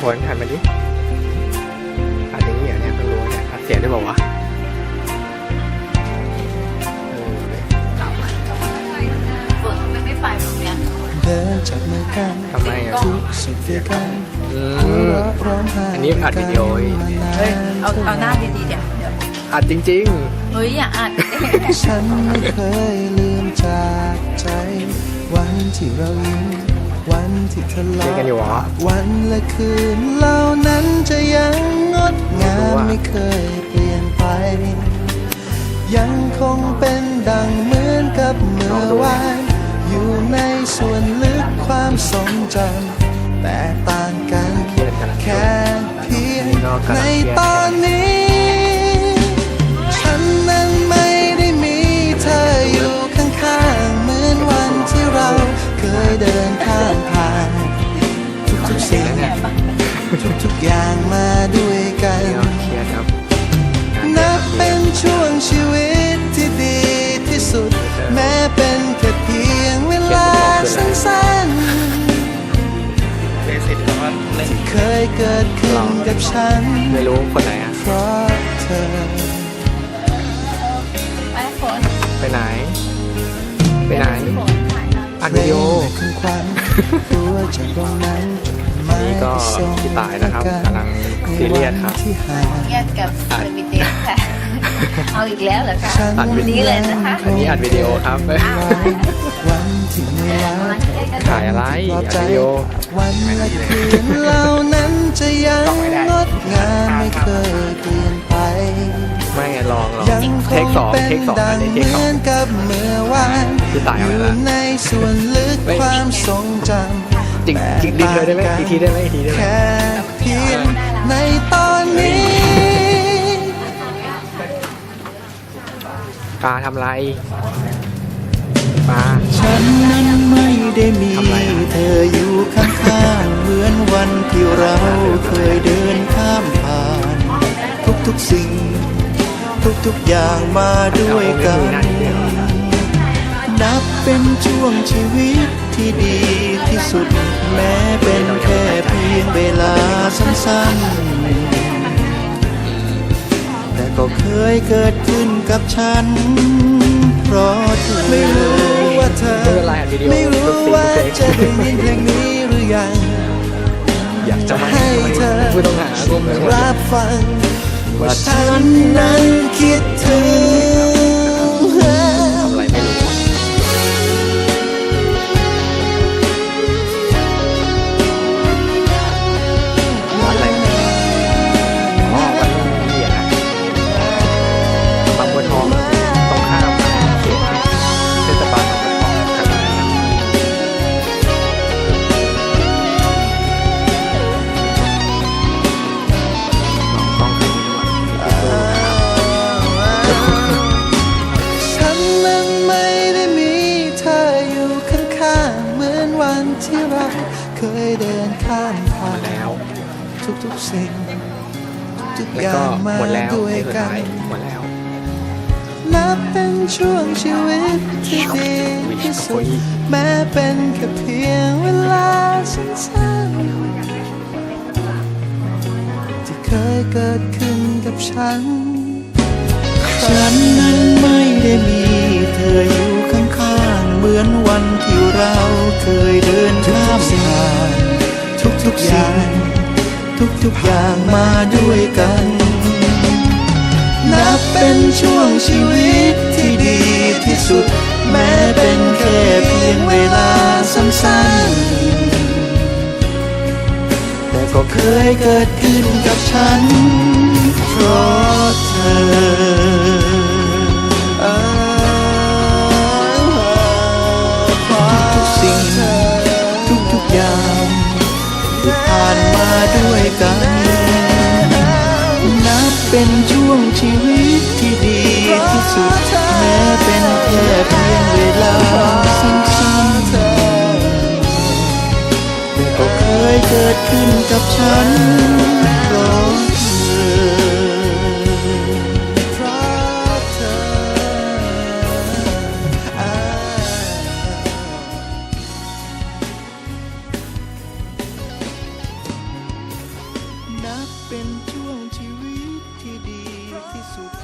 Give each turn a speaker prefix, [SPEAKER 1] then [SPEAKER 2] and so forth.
[SPEAKER 1] ฝนหันมาดิอัดอย่างนี้เหรอเนี่ยเพิ่งรู้เนี่ยอัดเสียงได้บอกว่า
[SPEAKER 2] ฝนมันไม่ไปตรงเนี้ย
[SPEAKER 3] เดินจับมือกัน
[SPEAKER 1] ทำไมอ่ะ
[SPEAKER 3] ทุกสุขด้วยกัน ร้องไห้
[SPEAKER 1] อันนี้อัดวิดีโออีก
[SPEAKER 2] เฮ้ยเอาหน้าดีๆเดี๋ยว
[SPEAKER 1] อัดจริง
[SPEAKER 2] เฮ้ยอย่าอัด
[SPEAKER 3] ฉันไม่เคยลืมจากใจ วันที่เรายิ้มวันที่ทะ
[SPEAKER 1] ๆ
[SPEAKER 3] เลาะ
[SPEAKER 1] เล่นกันอยู่เหรอ
[SPEAKER 3] วันและคืนเหล่านั้นจะยังงดงามไม่เคยเปลี่ยนไป ยังคงเป็นดังเหมือนกับเมื่อวานอยู่ในส่วนลึกความทรงจำแต่ต่างกัน
[SPEAKER 1] เครียดกันนะ
[SPEAKER 3] แค่เพียงในตอนนี้ ฉันนั้นไม่ได้มีเธออยู่ข้างๆเหมือนวันที่เราเคยเดินข้ามผ่านทุกๆสิ่งทุกๆอย่างมาด้วยกัน
[SPEAKER 1] เครียดครับ
[SPEAKER 3] นับเป็นช่วงชีวิตที่ดีที่สุด แม้เป็นแค่เพียงเวลาสั้นๆที่เคยเกิดขึ้นกับฉัน
[SPEAKER 1] ไม่รู้คนไหนอ่ะ
[SPEAKER 3] เพราะเธอ
[SPEAKER 2] ไปฝน
[SPEAKER 1] ไปไหน ไปไหน
[SPEAKER 2] ฝนถ่ายนะ
[SPEAKER 1] อัดวิดีโอ
[SPEAKER 3] เพลงและควันตัวจากตรงนั้นไม่
[SPEAKER 1] นี่ก็พี่ตายนะครับกำลังซีเรียสครับ
[SPEAKER 3] ที่ห่าง
[SPEAKER 2] เงียบกับเซอร์วิเตสค่ะ เอาอีกแล้วเหรอคะ
[SPEAKER 3] ฉัน
[SPEAKER 1] อัดวิดีโอ
[SPEAKER 2] นี้เลยนะคะ
[SPEAKER 1] อันนี้อัดวิดีโอครับ
[SPEAKER 3] วันที่ไม่รัก
[SPEAKER 1] ถ่ายอะไรอัดวิดีโอ
[SPEAKER 3] วันและคืนเหล่านั้นจะยังงดงามไม่เคยเปลี่ยนไป
[SPEAKER 1] ไม่ไงลอง
[SPEAKER 3] ยังค
[SPEAKER 1] เทค
[SPEAKER 3] ง
[SPEAKER 1] สอง
[SPEAKER 3] เป็น
[SPEAKER 1] เทคสอง
[SPEAKER 3] ดั
[SPEAKER 1] อั
[SPEAKER 3] ง
[SPEAKER 1] นนี้
[SPEAKER 3] เห
[SPEAKER 1] เทคสอ
[SPEAKER 3] มื
[SPEAKER 1] ง
[SPEAKER 3] อนกับเมื่อวาน
[SPEAKER 1] พี่ตาย
[SPEAKER 3] อ
[SPEAKER 1] เอาไป
[SPEAKER 3] ยู่
[SPEAKER 1] ละ
[SPEAKER 3] ในส่วนลึก
[SPEAKER 1] เฮ้ย
[SPEAKER 3] ความทรงจำ
[SPEAKER 1] จริงจริงดีเธอได้ไหมอีกทีได้ไหมอีกทีได้ไหม
[SPEAKER 3] แค่เพียงในตอนนี้
[SPEAKER 1] ปลาทำไรปลา
[SPEAKER 3] ฉันนั้นไม่ได้มี
[SPEAKER 1] ทำไรอ่ะ
[SPEAKER 3] เธออยู่ข้างๆเหมือนวันที่เราเคยเดินข้ามผ่าน ทุกๆสิ่ง ทุกๆอย่างมาด้วยกัน นับเป็นช่วงชีวิตที่ดีที่สุด แม้เป็นแค่เพียงเวลาสั้นๆ แต่ก็เคยเกิดขึ้นกับฉัน เพราะเธอไม่รู้ว่าเธอ
[SPEAKER 1] ไม่เป็นไรอัดวิดีโอ
[SPEAKER 3] ไม่รู้ว่าจะได้ยินเพลงนี้หรือยัง
[SPEAKER 1] อยากจะมา
[SPEAKER 3] ให้เธอ
[SPEAKER 1] ผู้ต้องหาร่วมกัน
[SPEAKER 3] รับฟัง ว่าฉันนั้นคิดถึง
[SPEAKER 1] ทำอะไรไม่รู้วันอะไรอ๋อวันเหยียดนะบางบัวทองตรงข้ามเขตเทศบาลบางบัวทองกันต้องใครดีวะ
[SPEAKER 3] ฉันนั้นไม่ได้มีเธออยู่ข้างๆเหมือนวันที่เราเคยเดินข้ามผ่าน
[SPEAKER 1] แล้ว
[SPEAKER 3] ทุกๆสิ่ง ทุกๆ
[SPEAKER 1] แล้ว
[SPEAKER 3] อย่า
[SPEAKER 1] ก็
[SPEAKER 3] งมา
[SPEAKER 1] หมดแล้ว
[SPEAKER 3] ด้วย
[SPEAKER 1] นี่สุด
[SPEAKER 3] กั
[SPEAKER 1] ท้าย
[SPEAKER 3] น
[SPEAKER 1] หมดแล้ว
[SPEAKER 3] นับเป็นช่วงชีวิตที่ดีที่สุด แม้เป็นแค่เพียงเวลาสั้นๆที่เคยเกิดขึ้นกับฉัน ฉันนั้นไม่ได้มีเธออยู่ข้างๆเหมือนวันที่เราเคยเดินข้ามผ่านทุกๆอย่าง ทุกๆอย่างมาด้วยกัน นับเป็นช่วงชีวิตที่ดีที่สุด แม้เป็นแค่เพียงเวลาสั้นๆ แต่ก็เคยเกิดขึ้นกับฉัน เพราะเธอทุกๆสิ่งทุกๆอย่างที่ผ่านมาด้วยกัน นับเป็นช่วงชีวิตที่ดีที่สุด แม้เป็นแค่เพียงเวลาสั้นๆแต่ก็เคยเกิดขึ้นกับฉันเพราะเธอกเป็นช่วงชีวิตที่ดีที่สุด